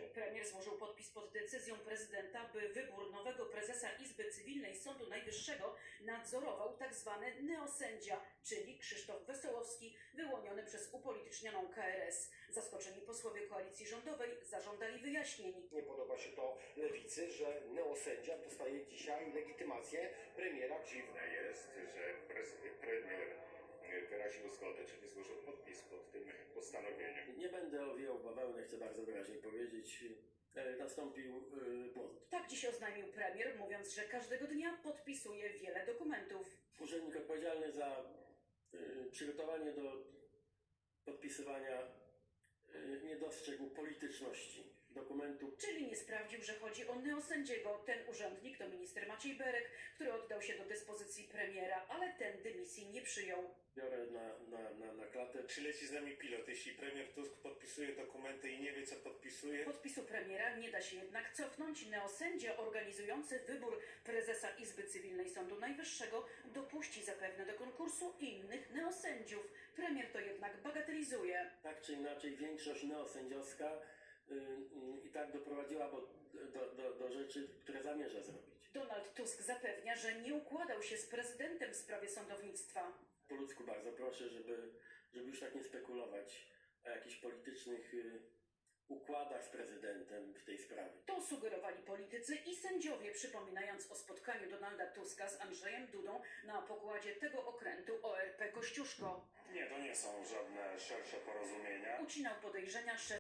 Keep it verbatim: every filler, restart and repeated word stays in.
Premier złożył podpis pod decyzją prezydenta, by wybór nowego prezesa Izby Cywilnej Sądu Najwyższego nadzorował tzw. neosędzia, czyli Krzysztof Wesołowski, wyłoniony przez upolitycznioną K R S. Zaskoczeni posłowie koalicji rządowej zażądali wyjaśnień. Nie podoba się to lewicy, że neosędzia dostaje dzisiaj legitymację premiera. Dziwne jest, że premier wyraził zgodę, czyli złożył podpis pod tym postanowieniem. Nie będę owijał bawełnę, chcę bardzo wyraźnie powiedzieć. E, nastąpił e, błąd. Tak dziś oznajmił premier, mówiąc, że każdego dnia podpisuje wiele dokumentów. Urzędnik odpowiedzialny za e, przygotowanie do podpisywania e, nie dostrzegł polityczności dokumentu. Czyli nie sprawdził, że chodzi o neosędziego. Ten urzędnik to minister Maciej Berek, który oddał się do dyspozycji premiera, ale ten dymisji nie przyjął. Biorę na, na, na, na klatę. Czy leci z nami pilot? Jeśli premier Tusk podpisuje dokumenty i nie wie, co podpisuje? Podpisu premiera nie da się jednak cofnąć. Neosędzia organizujący wybór prezesa Izby Cywilnej Sądu Najwyższego dopuści zapewne do konkursu innych neosędziów. Premier to jednak bagatelizuje. Tak czy inaczej większość neosędziowska y, y, i tak doprowadziła bo, do, do, do rzeczy, które zamierza zrobić. Donald Tusk zapewnia, że nie układał się z prezydentem w sprawie sądownictwa. Po ludzku bardzo proszę, żeby, żeby już tak nie spekulować o jakichś politycznych y, układach z prezydentem w tej sprawie. To sugerowali politycy i sędziowie, przypominając o spotkaniu Donalda Tuska z Andrzejem Dudą na pokładzie tego okrętu O R P Kościuszko. Nie, to nie są żadne szersze porozumienia. Ucinał podejrzenia szef